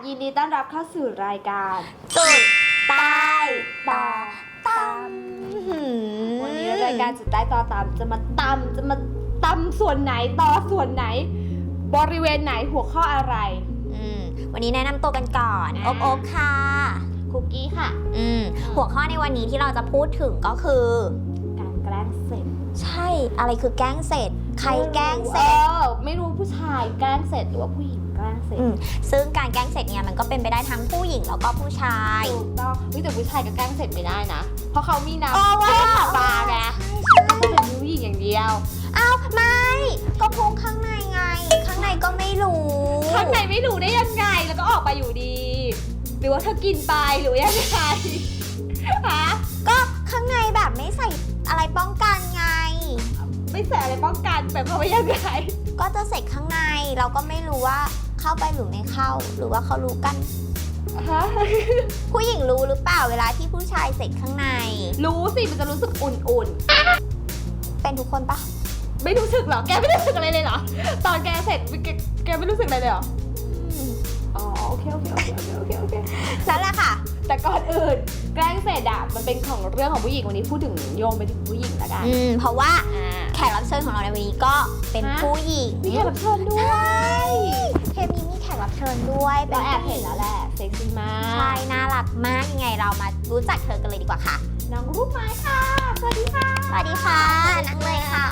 ยินดีต้อนรับเข้าสู่รายการจุดใต้ต่อตำวันนี้รายการจุดใต้ต่อตำจะมาตำส่วนไหนต่อส่วนไหน บริเวณไหนหัวข้ออะไรวันนี้แนะนำตัวกันก่อนโอ๊บค่ะคุกกี้ค่ะหัวข้อในวันนี้ที่เราจะพูดถึงก็คือการแกล้งเสร็จใช่อะไรคือแกล้งเสร็จใครแกล้งเสร็จไม่รู้ผู้ชายแกล้งเสร็จหรือว่าผู้หญิงแกล้งเสร็จซึ่งการแกล้งเสร็จเนี่ยมันก็เป็นไปได้ทั้งผู้หญิงแล้วก็ผู้ชายถูกต้องแต่ผู้ชายก็แกล้งเสร็จไม่ได้นะเพราะเขามีน้ำปลาไงก็จะเป็นผู้หญิงอย่างเดียวอ้าวไม่ก็พุงข้างในไงข้างในก็ไม่รู้ข้างในไม่รู้ได้ยังไงแล้วก็ออกไปอยู่ดีหรือว่าเธอกินไปหรือยังไงฮะก็ข้างในแบบไม่ใส่อะไรป้องกันไงไม่ใส่อะไรป้องกันแบบเขาไม่ยังไงก็จะเสร็จข้างในเราก็ไม่รู้ว่าเข้าไปหรือไม่เข้าหรือว่าเขารู้กันผู้หญิงรู้หรือเปล่าเวลาที่ผู้ชายเสร็จข้างในรู้สิมันจะรู้สึกอุ่นๆเป็นทุกคนปะไม่รู้สึกหรอแกไม่รู้สึกอะไรเลยเหรอตอนแกเสร็จแกไม่รู้สึกอะไรเลยเหรออ๋อโอเคนั่นแหละค่ะแต่ก่อนอื่นแกล้งเสร็จอะมันเป็นของเรื่องของผู้หญิงวันนี้พูดถึงโยงไปถึงผู้หญิงแล้วกันเพราะว่าแขกรับเชิญของเราในวันนี้ก็เป็นผู้หญิงมีแขกรับเชิญด้วยใช่เทปนี้มีแขกรับเชิญด้วยเราแอบเห็นแล้วแหละเซ็กซี่มากใช่น่ารักมากยังไงเรามารู้จักเธอกันเลยดีกว่าค่ะน้องลูกไม้ค่ะสวัสดีค่ะสวัสดีค่ะนั่งเลยค่ะ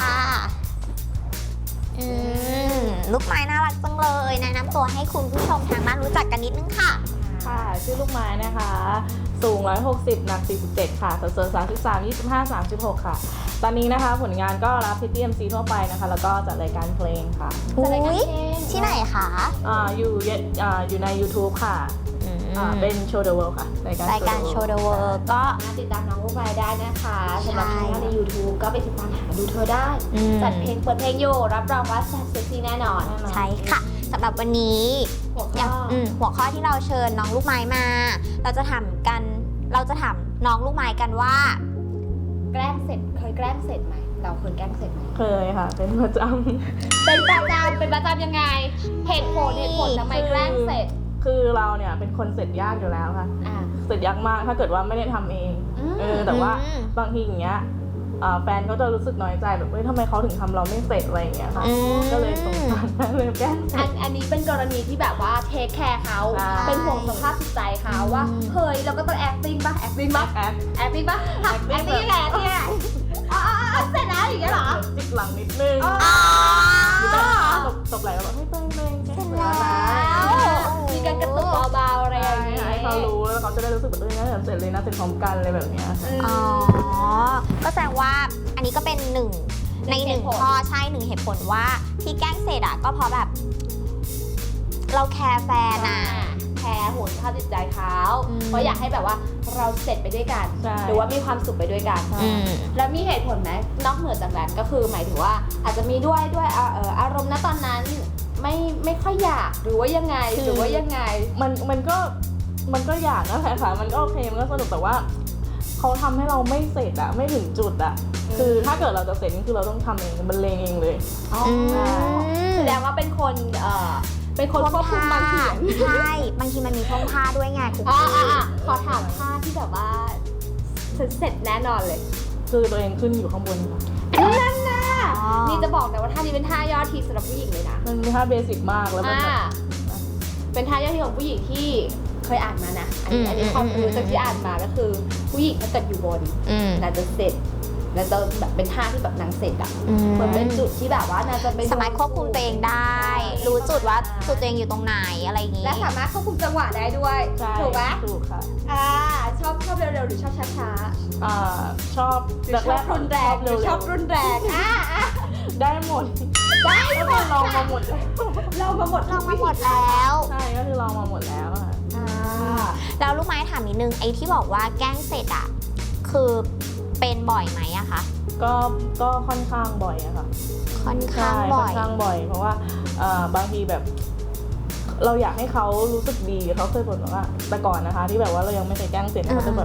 ลูกไม้น่ารักจังเลยแนะนำตัวให้คุณผู้ชมทางบ้านรู้จักกันนิดนึงค่ะค่ะชื่อลูกไม้นะคะสูง160หนัก47ค่ะสัดส่วน33 25 36ค่ะตอนนี้นะคะผลงานก็รับพิธี MC ทั่วไปนะคะแล้วก็จัดรายการเพลงค่ะที่ไหนคะอยู่ใน YouTube ค่ะเป็น Show the World ค่ะรายการ Show the World ก็ติดตามน้องลูกไม้ได้นะคะสำหรับช่องใน YouTube ก็ไปติดตามหาดูเธอได้จัดเพลงเปิดเพลงอยู่รับรองว่าแซ่บเซ็กซี่แน่นอนใช่ค่ะสำหรับวันนี้หัวข้อที่เราเชิญน้องลูกไม้มาเราจะถามน้องลูกไม้กันว่าแกล้งเสร็จเคยแกล้งเสร็จไหมเราเคยแกล้งเสร็จไหมเคยค่ะเป็นประจำยังไงเหตุผลทำไมแกล้งเสร็จคือเราเนี่ยเป็นคนเสร็จยากอยู่แล้วค่ะเสร็จยากมากถ้าเกิดว่าไม่ได้ทำเองแต่ว่าบางทีอย่างเงี้ยแฟนก็จะรู้สึกน้อยใจแบบเฮ้ยทำไมเขาถึงทำเราไม่เสร็จอะไรอย่างเงี้ยค่ะก็เลยสงสารเลยแกล้งอันนี้เป็นกรณีที่แบบว่าเทคแคร์เขาเป็นห่วงสภาพจิตใจเขาว่าเฮ้ยเราก็ต้อง acting ป่ะ acting ยังไงเนี่ยเสร็จแล้วอย่างเงี้ยเหรอจิกหลังนิดนึงตบไหล่แล้วแบบให้เต้นเสร็จแล้วมีการกระตุกเบาๆอะไรอย่างเงี้ยให้เขารู้แล้วเขาจะได้รู้สึกแบบน่าจะเสร็จเลยนะเสร็จพร้อมกันอะไรแบบเนี้ยก็แสดงว่าอันนี้ก็เป็นหนึ่งข้อใช่1เหตุผลว่าที่แกล้งเสร็จอะก็เพราะแบบเราแคร์แฟนอะแคร์ห่วงสภาพจิตใจเขาเพราะอยากให้แบบว่าเราเสร็จไปด้วยกันหรือว่ามีความสุขไปด้วยกันแล้วมีเหตุผลไหมนอกเหนือจากนั้นก็คือหมายถึงว่าอาจจะมีด้วยอารมณ์ณตอนนั้นไม่ค่อยอยากหรือว่ายังไงมันก็อยากนะค่ะมันก็โอเคมันก็สนุกแต่ว่าเขาทำให้เราไม่เสร็จอะไม่ถึงจุดอะคือถ้าเกิดเราจะเสร็จนี่คือเราต้องทำเองบรรเลงเองเลยแสดงว่าเป็นคนควบคุมบางทีใช่บางทีมันมีท่วงท่าด้วยไงคุณขอถามท่าที่แบบว่าเสร็จแน่นอนเลยคือตัวเองขึ้นอยู่ข้างบนค่ะนั่นนะนี่จะบอกนะว่าท่านี้เป็นท่ายอดฮิตสำหรับผู้หญิงเลยนะมันเป็นท่าเบสิกมากแล้วมันเป็นท่ายอดฮิตของผู้หญิงที่เคยอ่านมานะอันนี้ความรู้จากที่อ่านมาก็คือผู้หญิงถ้าเกิดอยู่บนน่าจะเสร็จแล้วจะแบบเป็นท่าที่แบบนางเสร็จอ่ะเหมือนเป็นจุดที่แบบว่านางจะเป็นสามารถควบคุมตัวเองได้รู้จุดว่าจุดตัวเองอยู่ตรงไหนอะไรอย่างงี้และสามารถควบคุมจังหวะได้ด้วยถูกไหมถูกค่ะชอบเร็วๆหรือชอบช้าชอบรุนแรงหรือชอบรุนแรงได้หมดลองมาหมดแล้วใช่ก็คือลองมาหมดแล้วแล้วลูกไม้ถามนิดนึงไอ้ที่บอกว่าแกล้งเสร็จอะคือเป็นบ่อยไหมอะคะก็ค่อนข้างบ่อยอะค่ะค่อนข้างบ่อยเพราะว่าบางทีแบบเราอยากให้เขารู้สึกดีเขาเคยบ่นว่าแต่ก่อนนะคะที่แบบว่าเรายังไม่เคยแกล้งเสร็จเขาจะแบบ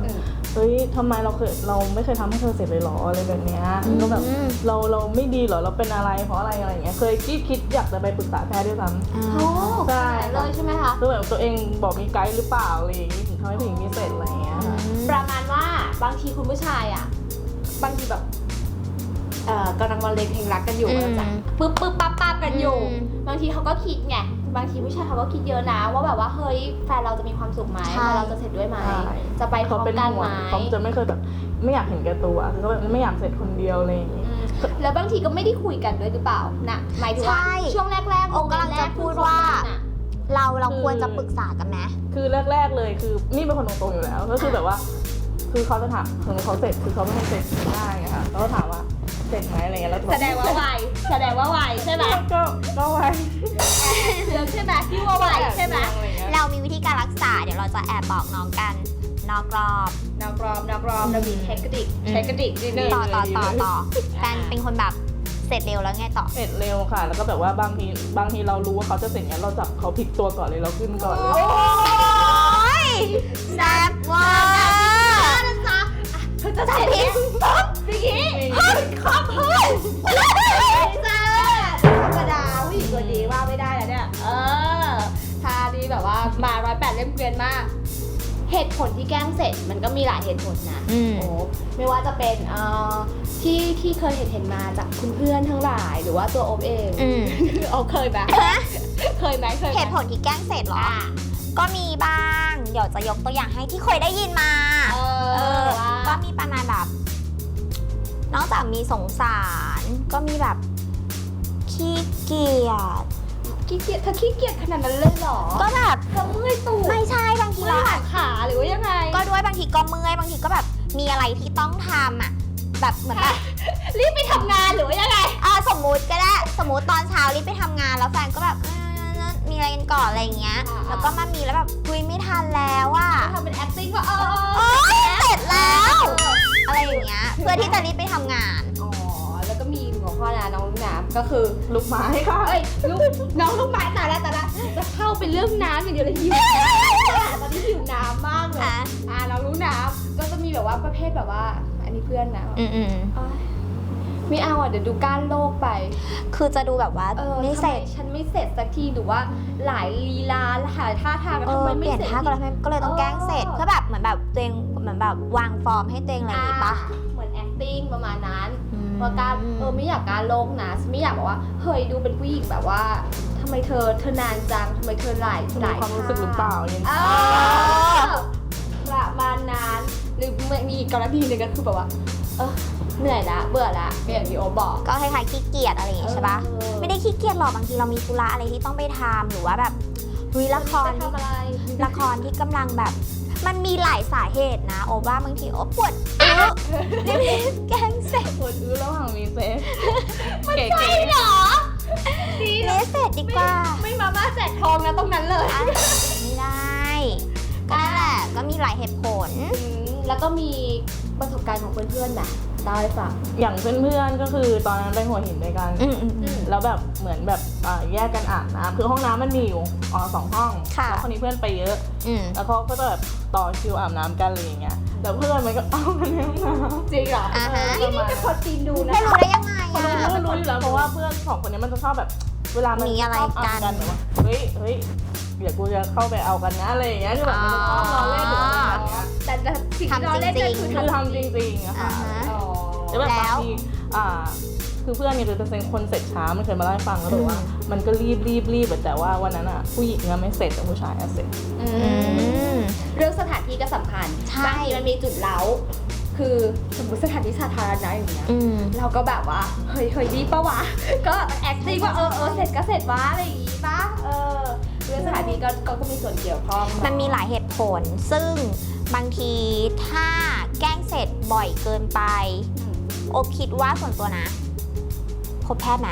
เฮ้ยทำไมเราไม่เคยทำให้เธอเสร็จเลยหรออะไรแบบเนี้ยก็แบบเราไม่ดีเหรอเราเป็นอะไรเพราะอะไรอะไรอย่างเงี้ยเคยคิดอยากจะไปปรึกษาแพทย์ด้วยซ้ำโอ้ใช่เลยใช่ไหมคะคือแบบตัวเองบอกมีไกด์หรือเปล่าอะไรอย่างงี้ถึงทำให้ผู้หญิงมีเสร็จอะไรอย่างเงี้ยค่ะประมาณว่าบางทีคุณผู้ชายอ่ะบางทีแบบกำลังมาเลงเพลงรักกันอยู่แล้วจ้ะปึ๊บปั๊บกันอยู่ บางทีเขาก็คิดไงบางทีผู้ชายเขาก็คิดเยอะนะว่าแบบว่าเฮ้ยแฟนเราจะมีความสุขไหมแฟนเราจะเสร็จด้วยไหมจะไปพร้อมกันไหมเขาจะไม่เคยแบบไม่อยากเห็นแก่ตัวคือเขาแบบไม่อยากเสร็จคนเดียวอะไรอย่างงี้แล้วบางทีก็ไม่ได้คุยกันด้วยหรือเปล่านะหมายถึงว่าช่วงแรกๆโอ้กำลังจะพูดว่าเราควรจะปรึกษากันไหมคือแรกๆเลยคือนี่เป็นคนตรงๆอยู่แล้วก็คือแบบว่าคือเขาจะถามเขาเสร็จคือเขาเป็นคนเสร็จง่ายอะค่ะเขาก็ถามว่าเสร็จไหมอะไรเงี้ยแล้วแสดงว่าไวใช่ไหมก็ไวเรื่องใช่ไหมที่ว่าไวใช่ไหมเรามีวิธีการรักษาเดี๋ยวเราจะแอบบอกน้องกันนอกรอบนักร้องเรามีเทคนิคนิดนึงต่อแฟนเป็นคนแบบเสร็จเร็วแล้วไงต่อเสร็จเร็วค่ะ แล้วก็แบบว่าบางทีเรารู้ว่าเขาจะเสร็จเนี้ยเราจับเขาพลิกตัวก่อนเลยเราขึ้นก่อนเลยโอ้ยแซ่บว่ะนะจ๊ะเธอจะเสร็จไหมพี่กี้ขอบคุณจ้าธรรมดาผู้หญิงตัวดีว่าไม่ได้แล้วเนี่ยท่านี้แบบว่ามา108เล่มเกวียนมากเหตุผลที่แกล้งเสร็จมันก็มีหลายเหตุผลนะโอ้ไม่ว่าจะเป็นที่เคยเห็นมาจากคุณเพื่อนทั้งหลายหรือว่าตัวโอบเองเอาเคยไหมเคยไหมเหตุผลที่แกล้งเสร็จเหรอก็มีบ้างเดี๋ยวจะยกตัวอย่างให้ที่เคยได้ยินมาก็มีประมาณแบบนอกจากมีสงสารก็มีแบบขี้เกียจเธอขี้เกียจขนาดนั้นเลยเหรอก็แบบเธอเมื่อยตูดไม่ใช่บางทีเราขาหรือว่ายังไงก็ด้วยบางทีก็เมื่อยบางทีก็แบบมีอะไรที่ต้องทำอ่ะแบบเหมือนแบบรีบไปทำงานหรือว่ายังไงสมมุติก็ได้สมมุติตอนเช้ารีบไปทำงานแล้วแฟนก็แบบมีอะไรกันก่อนอะไรอย่างเงี้ยแล้วก็มามีแล้วแบบคุยไม่ทันแล้วอ่ะทำเป็น acting ว่าเสร็จแล้วอะไรอย่างเงี้ยเพื่อที่จะรีบไปทำงานแล้วก็มีหัวข้อนะน้องลูกน้ำก็คือลูกไม้ค่ะน้องลูกไม้แต่ละจะเข้าเป็นเรื่องน้ำอย่างเดียวเลยหิวตอนนี้หิวน้ำมากเลยน้องลูกน้ำก็จะมีแบบว่าประเภทแบบว่าอันนี้เพื่อนนะไม่เอาเดี๋ยวดูก้านโลกไปคือจะดูแบบว่าไม่เสร็จฉันไม่เสร็จสักทีหรือว่าหลายลีลาหลายท่าทางทำไมไม่เสร็จเปลี่ยนท่าก็เลยต้องแกล้งเสร็จเพื่อแบบเหมือนแบบตัวเองเหมือนแบบวางฟอร์มให้ตัวเองอะไรอย่างงี้ปะเหมือน acting ประมาณนั้นว่าการไม่อยากการโลกนะไม่อยากบอกว่าเฮ้ยดูเป็นผู้หญิงแบบว่าทำไมเธอนานจังทำไมเธอหลายความรู้สึกหรือเปล่าอย่างนี้ประมาณนั้นหรือมีกรณีหนึ่งก็คือแบบว่าเหนื่อยละเบื่อละอย่างที่โอบอกก็คล้ายๆขี้เกียจอะไรอย่างงี้ใช่ปะไม่ได้ขี้เกียจหรอกบางทีเรามีธุระอะไรที่ต้องไปทำหรือว่าแบบละครที่กำลังแบบมันมีหลายสาเหตุนะโอว่าบางทีโอปวดรีบแกล้งเสร็จปวดระหว่างมีเซ็กมันใช่เหรอดีเลยเสร็จดีกว่าไม่มาม่าแจกทองนะตรงนั้นเลยไม่ได้ก็นั่นแหละก็มีหลายเหตุผลแล้วก็มีประสบการณ์ของเพื่อนๆนะเล่าให้ฟังอย่างเพื่อนๆก็คือตอนนั้นไปหัวหินด้วยกันแล้วแบบเหมือนแบบแยกกันอาบน้ำคือห้องน้ำมันมีอยู่2 ห้องแล้วคนนี้เพื่อนไปเยอะแล้วเขาก็จะแบบต่อคิวอาบน้ำกันอะไรอย่างเงี้ยแต่เพื่อนมันก็เอากันในห้องน้ำจริงเหรอนี่เป็นคนจีนดูนะไม่รู้ได้ยังไงรู้อยู่แล้วเพราะว่าเพื่อน2 คนนี้มันจะชอบแบบเวลามันมีอะไรกันแบบว่าเฮ้ยเดี๋ยวกูจะเข้าไปเอากันนะอะไรอย่างเงี้ยคือแบบมันจะชอบล้อเล่นหรืออะไรอย่างเงี้ยแต่สิ่งที่ล้อเล่นคือทำจริงๆอะค่ะแล้วแบบบางทีคือเพื่อนเนี่ยจะเป็นคนเสร็จช้ามันเคยมาเล่าให้ฟังแล้วบอกว่ามันก็รีบแต่ว่าวันนั้นอะผู้หญิงไม่เสร็จแต่ผู้ชายเสร็จเรื่องสถานที่ก็สำคัญบางทีมันมีจุดเล้าคือสมมติสถานที่สาธารณะอย่างเงี้ยเราก็แบบว่าเฮ้ยรีบปะวะก็ acting ว่าเสร็จก็เสร็จวะอะไรอย่างงี้ปะเรื่องสถานที่ก็มีส่วนเกี่ยวข้องมันมีหลายเหตุผลซึ่งบางทีถ้าแกล้งเสร็จบ่อยเกินไปโอคิดว่าส่วนตัวนะพบแพทย์ไหม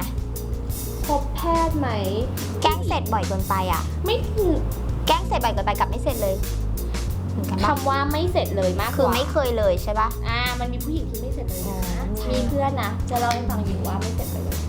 แกล้งเสร็จบ่อยเกินไปอ่ะไม่แกล้งเสร็จบ่อยเกินไปกับไม่เสร็จเลยคำว่าไม่เสร็จเลยมากคือไม่เคยเลยใช่ปะมันมีผู้หญิงที่ไม่เสร็จเลยนะมีเพื่อนนะจะเล่าให้ฟังอยู่ว่าไม่เสร็จเลย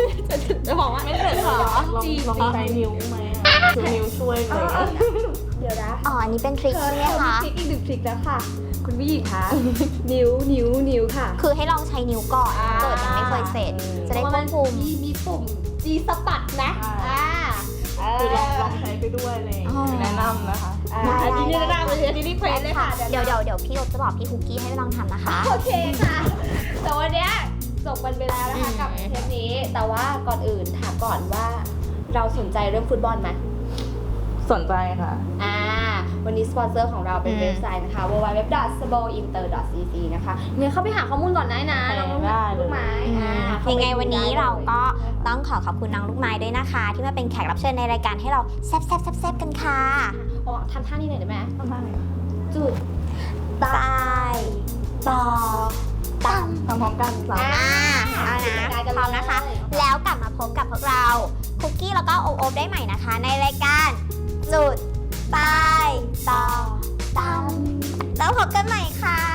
จะบอกว่าไม่เสร็จหรอลองใช้นิ้วไหมคือนิ้วช่วยเลยเดี๋นะอ๋ออันนี้เป็นทริคใช่ไหมคะทริคอีก1ทริคแล้วค่ะ คุณผู้หญิงคะ นิ้วค่ะคือให้ลองใช้นิ้วก่อนถ้าเกิดยังไม่เคยเสร็จ จะได้ควบคุมมีปุ่ม G สปัดนะคือลองใช้ไปด้วยอะไรอย่างเลยอ๋อแนะนำนะคะอันนี้แนะนำเลยอันนี้รีเควสเลยค่ะเดี๋ยวพี่อบจะบอกพี่คุกกี้ให้ลองทำนะคะโอเคค่ะ แต่วันเนี้ยจบกันไปแล้วนะคะกับเทปนี้ แต่ว่าก่อนอื่นถามก่อนว่าเราสนใจเรื่องฟุตบอลไหมสนใจค่ะวันนี้สปอนเซอร์ของเราเป็นเว็บไซต์นะคะ www.sbointer.cc นะคะเนี่ยเข้าไปหาข้อมูลก่อนได้นะน้องลูกไม้ยังไงวันนี้เราก็ต้องขอบคุณน้องลูกไม้ด้วยนะคะ ที่มาเป็นแขกรับเชิญในรายการให้เราแซ่บๆๆๆกันค่ะทำท่านี้หน่อยได้ไหมทำได้ไหมจุดตายต่อตั้งทำพร้อมกันสามเอานะพร้อมนะคะ แล้วกลับมาพบกับพวกเราคุกกี้แล้วก็โอ๊บได้ใหม่นะคะ ในรายการจุดตายต่อตั้งแล้วพบกันใหม่ค่ะ